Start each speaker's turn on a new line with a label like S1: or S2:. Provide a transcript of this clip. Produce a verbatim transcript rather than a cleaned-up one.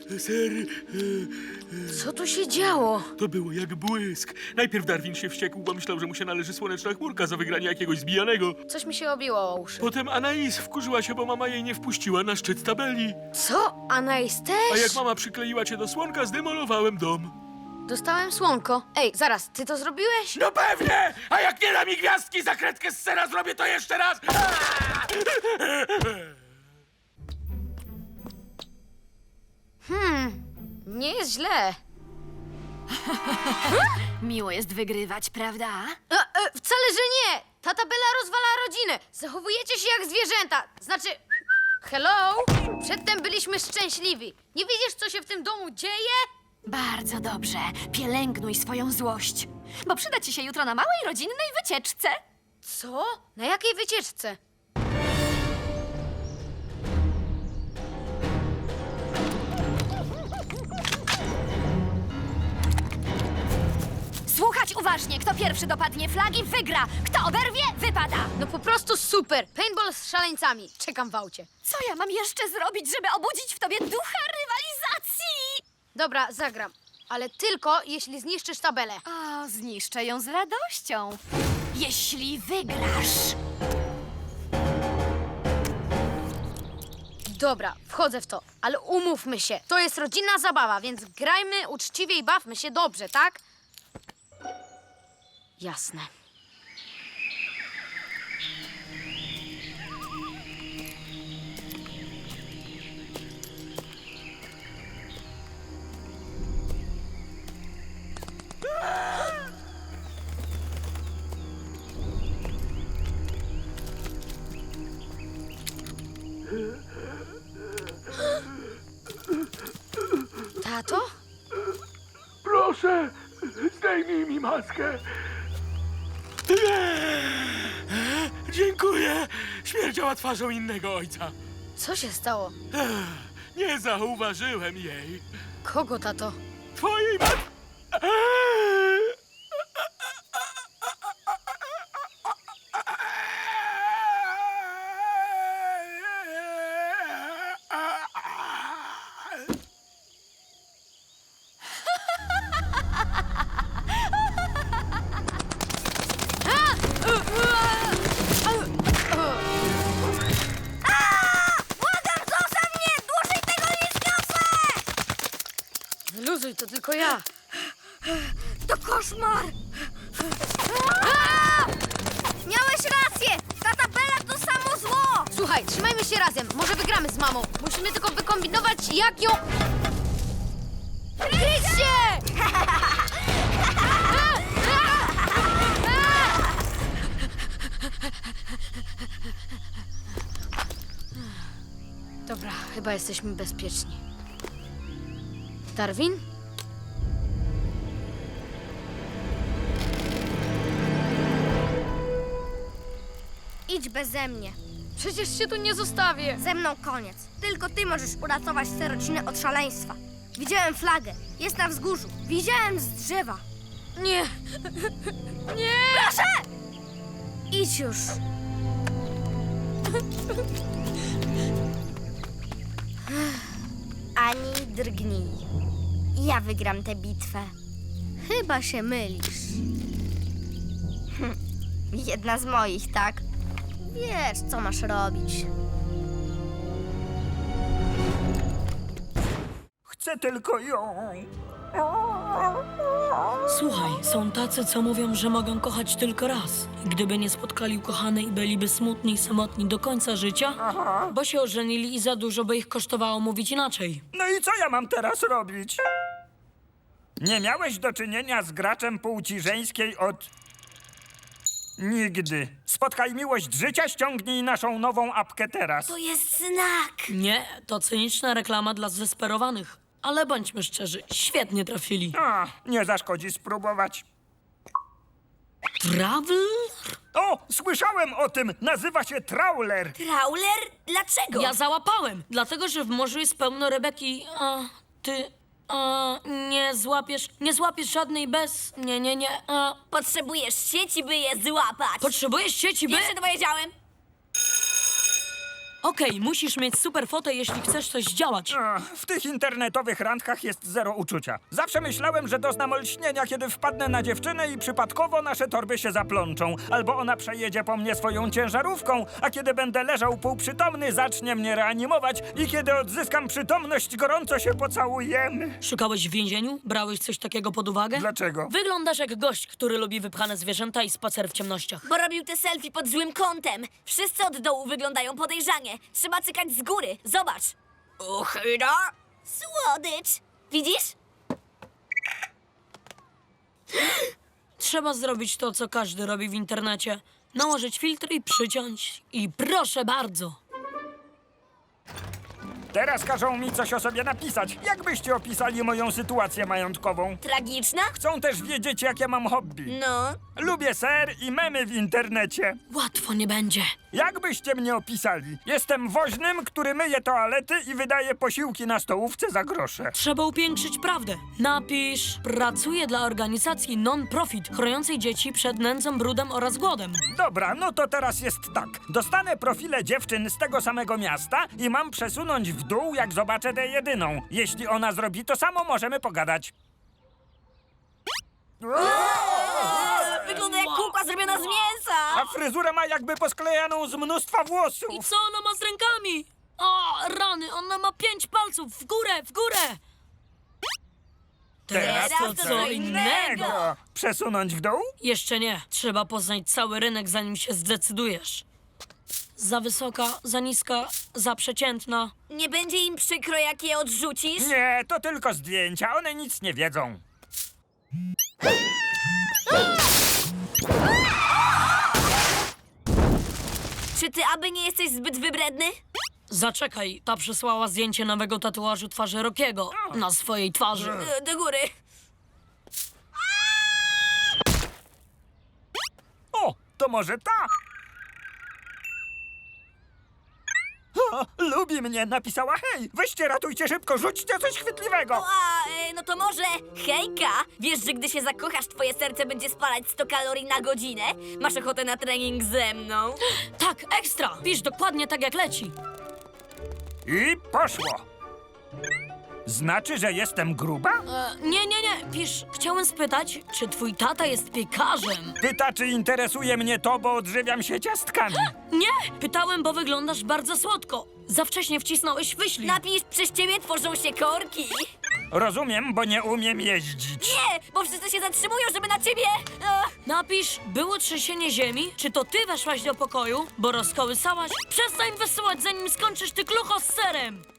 S1: Ser...
S2: Co tu się działo?
S1: To było jak błysk. Najpierw Darwin się wściekł, bo myślał, że mu się należy słoneczna chmurka za wygranie jakiegoś zbijanego.
S2: Coś mi się obiło o uszy.
S1: Potem Anais wkurzyła się, bo mama jej nie wpuściła na szczyt tabeli.
S2: Co? Anais też?
S1: A jak mama przykleiła cię do słonka, zdemolowałem dom.
S2: Dostałem słonko. Ej, zaraz, ty to zrobiłeś?
S1: No pewnie! A jak nie da mi gwiazdki za kredkę z sera, zrobię to jeszcze raz!
S2: Hmm, nie jest źle.
S3: Miło jest wygrywać, prawda?
S2: E, e, wcale, że nie! Ta tabela rozwala rodzinę. Zachowujecie się jak zwierzęta. Znaczy, hello? Przedtem byliśmy szczęśliwi. Nie widzisz, co się w tym domu dzieje?
S3: Bardzo dobrze. Pielęgnuj swoją złość, bo przyda ci się jutro na małej rodzinnej wycieczce.
S2: Co? Na jakiej wycieczce?
S3: Słuchać uważnie. Kto pierwszy dopadnie flagi, wygra. Kto oberwie, wypada.
S2: No po prostu super. Paintball z szaleńcami. Czekam w aucie.
S3: Co ja mam jeszcze zrobić, żeby obudzić w tobie ducha rywalizacji?
S2: Dobra, zagram. Ale tylko, jeśli zniszczysz tabelę.
S3: O, zniszczę ją z radością. Jeśli wygrasz.
S2: Dobra, wchodzę w to. Ale umówmy się. To jest rodzinna zabawa, więc grajmy uczciwie i bawmy się dobrze, tak? Jasne. Tato?
S1: Proszę, zdejmij mi maskę. Dziękuję. Śmierdziała twarzą innego ojca.
S2: Co się stało?
S1: Nie zauważyłem jej.
S2: Kogo, tato?
S1: Twojej mat...
S2: Luzuj, to tylko ja.
S3: To koszmar! Miałeś rację! Ta tabela to samo zło!
S2: Słuchaj, trzymajmy się razem. Może wygramy z mamą. Musimy tylko wykombinować, jak ją... Kryć się! Dobra, chyba jesteśmy bezpieczni. Darwin?
S4: Idź beze mnie.
S2: Przecież się tu nie zostawię.
S4: Ze mną koniec. Tylko ty możesz uratować tę rodzinę od szaleństwa. Widziałem flagę. Jest na wzgórzu. Widziałem z drzewa.
S2: Nie. Nie!
S4: Proszę! Idź już. Ani drgnij. Ja wygram tę bitwę. Chyba się mylisz. Hm, Jedna z moich, tak? Wiesz, co masz robić.
S5: Chcę tylko ją.
S6: Słuchaj, są tacy, co mówią, że mogą kochać tylko raz. I gdyby nie spotkali ukochanej, byliby smutni i samotni do końca życia, bo się ożenili i za dużo by ich kosztowało mówić inaczej.
S5: No i co ja mam teraz robić? Nie miałeś do czynienia z graczem płci żeńskiej od... nigdy. Spotkaj miłość życia, ściągnij naszą nową apkę teraz.
S4: To jest znak.
S6: Nie, to cyniczna reklama dla zdesperowanych. Ale bądźmy szczerzy, świetnie trafili.
S5: A, nie zaszkodzi spróbować.
S6: Travel?
S5: O, słyszałem o tym. Nazywa się Trawler.
S4: Trawler? Dlaczego?
S6: Ja załapałem, dlatego że w morzu jest pełno rybek i... A, ty... A, nie złapiesz, nie złapiesz żadnej bez... Nie, nie, nie, a...
S4: Potrzebujesz sieci, by je złapać.
S6: Potrzebujesz sieci, by...
S4: Wiesz, co to powiedziałem?
S6: Okej, musisz mieć super fotę, jeśli chcesz coś zdziałać.
S5: Ach, w tych internetowych randkach jest zero uczucia. Zawsze myślałem, że doznam olśnienia, kiedy wpadnę na dziewczynę i przypadkowo nasze torby się zaplączą. Albo ona przejedzie po mnie swoją ciężarówką, a kiedy będę leżał półprzytomny, zacznie mnie reanimować i kiedy odzyskam przytomność, gorąco się pocałujemy.
S6: Szukałeś w więzieniu? Brałeś coś takiego pod uwagę?
S5: Dlaczego?
S6: Wyglądasz jak gość, który lubi wypchane zwierzęta i spacer w ciemnościach.
S3: Bo robił te selfie pod złym kątem. Wszyscy od dołu wyglądają podejrzanie. Trzeba cykać z góry. Zobacz. Uchyda. Słodycz. Widzisz?
S6: Trzeba zrobić to, co każdy robi w internecie. Nałożyć filtr i przyciąć. I proszę bardzo.
S5: Teraz każą mi coś o sobie napisać. Jak byście opisali moją sytuację majątkową?
S3: Tragiczna?
S5: Chcą też wiedzieć, jakie mam hobby.
S3: No.
S5: Lubię ser i memy w internecie.
S6: Łatwo nie będzie.
S5: Jak byście mnie opisali? Jestem woźnym, który myje toalety i wydaje posiłki na stołówce za grosze.
S6: Trzeba upiększyć prawdę. Napisz: pracuję dla organizacji non-profit, chroniącej dzieci przed nędzą, brudem oraz głodem.
S5: Dobra, no to teraz jest tak. Dostanę profile dziewczyn z tego samego miasta i mam przesunąć w dół, jak zobaczę tę jedyną. Jeśli ona zrobi to samo, możemy pogadać.
S3: Wygląda jak kukła zrobiona z mięsa.
S5: A fryzurę ma jakby posklejaną z mnóstwa
S6: I
S5: włosów.
S6: co ona ma z rękami? O, rany, ona ma pięć palców. W górę, w górę.
S3: Teraz to co innego.
S5: Przesunąć w dół?
S6: Jeszcze nie. Trzeba poznać cały rynek, zanim się zdecydujesz. Za wysoka, za niska, za przeciętna.
S3: Nie będzie im przykro, jak je odrzucisz?
S5: Nie, to tylko zdjęcia, one nic nie wiedzą.
S3: Czy ty aby nie jesteś zbyt wybredny?
S6: Zaczekaj, ta przysłała zdjęcie nowego tatuażu twarzy Rockiego na swojej twarzy.
S3: E, Do góry.
S5: O, to może ta? O, lubi mnie, napisała hej, weźcie, ratujcie szybko, rzućcie coś chwytliwego.
S3: O, a, e, no to może, hejka, wiesz, że gdy się zakochasz, twoje serce będzie spalać sto kalorii na godzinę? Masz ochotę na trening ze mną?
S6: Tak, ekstra! Pisz dokładnie tak, jak leci.
S5: I poszło. Znaczy, że jestem gruba?
S6: E, nie, nie, nie, pisz, chciałem spytać, czy twój tata jest piekarzem?
S5: Pyta, czy interesuje mnie to, bo odżywiam się ciastkami.
S6: Nie, pytałem, bo wyglądasz bardzo słodko. Za wcześnie wcisnąłeś wyślij.
S3: Napisz, przez ciebie tworzą się korki.
S5: Rozumiem, bo nie umiem jeździć.
S3: Nie, bo wszyscy się zatrzymują, żeby na ciebie... Ech.
S6: Napisz, było trzęsienie ziemi, czy to ty weszłaś do pokoju, bo rozkołysałaś? Przestań wysyłać, zanim skończysz ty klucho z serem!